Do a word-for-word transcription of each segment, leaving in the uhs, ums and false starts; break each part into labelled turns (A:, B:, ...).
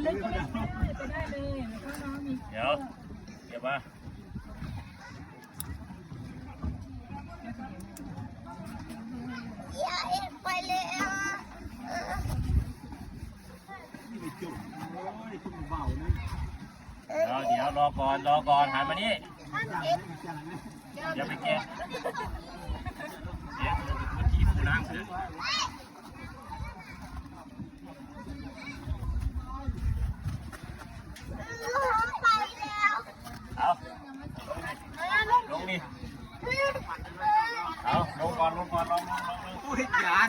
A: ลึกก็ไม่ไปได้เลยแล้วก็น้องมี
B: เดี๋ยวเดี๋ยวมา
C: อย่าเอ็ดไปเลยอ่ะ
B: เดี๋ยวเดี๋ยวรอก่อนรอก่อนหันมานี่
C: ท่านเอ็ด
B: เดี๋ยวไปแกะเดี๋ยวพื้นที่ผู้ล้างเถอะ
C: ไปแล้ว
B: เอาลงนี่เอาลงก่อนลงก่อนลงลงลงลง
D: พูดยาน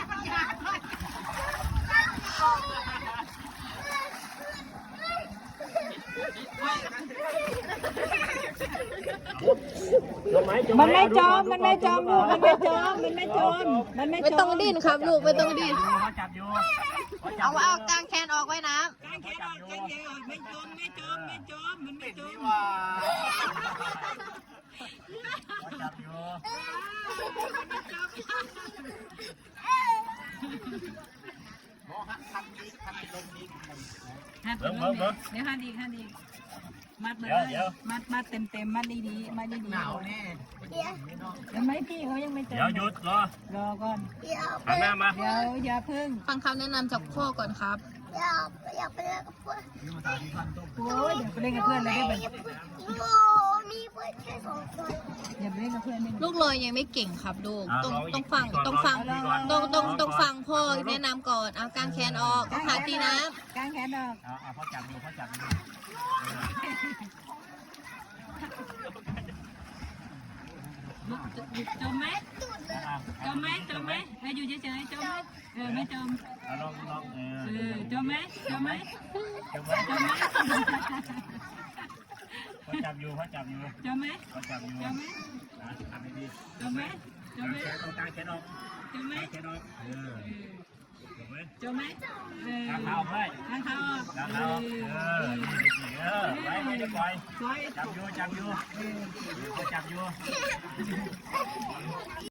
B: จมไหมจม
A: มันไม่จมมันไม่จมลูกมันไม่จมมันไม่จมมันไม่จม
E: ไม่ต้องดิ้นครับลูกไม่ต้องดิ้น
B: เขาจับอยู่
E: เอาเอากางแขนออกไว้น้
A: กางแขนออกกางแขนออกไม่จมไม่จมไม่จมมันไม่จม
B: เขาจับอยู่เบิ้งเบิ้งเบิ้ง
A: เดี๋ยวหันอีกหันอีกมัดมา
B: เดี๋ยว
A: เล
B: เดี๋ยวย
A: มัดมัดเต็มเต็มมัดดีๆมัดดีๆ
D: หนาวแน่
C: เดี๋ยว
A: ยังไม่พี่เขายังไม่จม
B: เดี๋ยวหยุดรอ
A: รอก่อน
C: เดี๋ยวไป
B: หันหน้ามา
A: เดี๋ยวอย่าพึ่ง
E: ำฟังคำแนะนำจากพ่อก่อนครับ
C: เดี๋ยวอยากไปเล่นกับเพื่อน
A: โอ้ยเดี๋ยวไปเล่นกับเพื่อนเลยได้ไหม
C: โมมีเพื่อนแค่สองคน
A: อย่าไปเล่นกับเพื่อนเล่น
E: ลูกลอยยังไม่เก่งครับลูกต้องต้องฟังต้องฟังต้องต้องต้องฟังพ่อแนะนำก่อนเอากางแขนออกเอาขาตีน้
A: กางแขนออก
B: เอาเอาเขาจับอยู่เขาจับอยู่
A: จมไหมจมไหมจมไหมให้อยู่เฉยๆจมไหมเออไม่จม
B: เอาลองลองเอ
A: เอ
B: อ
A: อจมไหมจมไหม
B: จมไหม
A: จมไหม
B: เขาจับอยู่เขาจับอยู่
A: จมไหม
B: เขาจับอยู่
A: จมไหม
B: อ่ะทำให้ดี
A: จมไหมจมไหม
B: แขนตรงกลางแขนออก
A: จมไหม
B: แขนออกเออจบไหม
A: จมไหมเออก
B: างเท้าให้
A: ทางเขาออก
B: กางเท้าเออนี่สิเออไว้ไม่ได้ปล่อย
A: สวย
B: จับอยู่จับอยู่เขาจับอยู่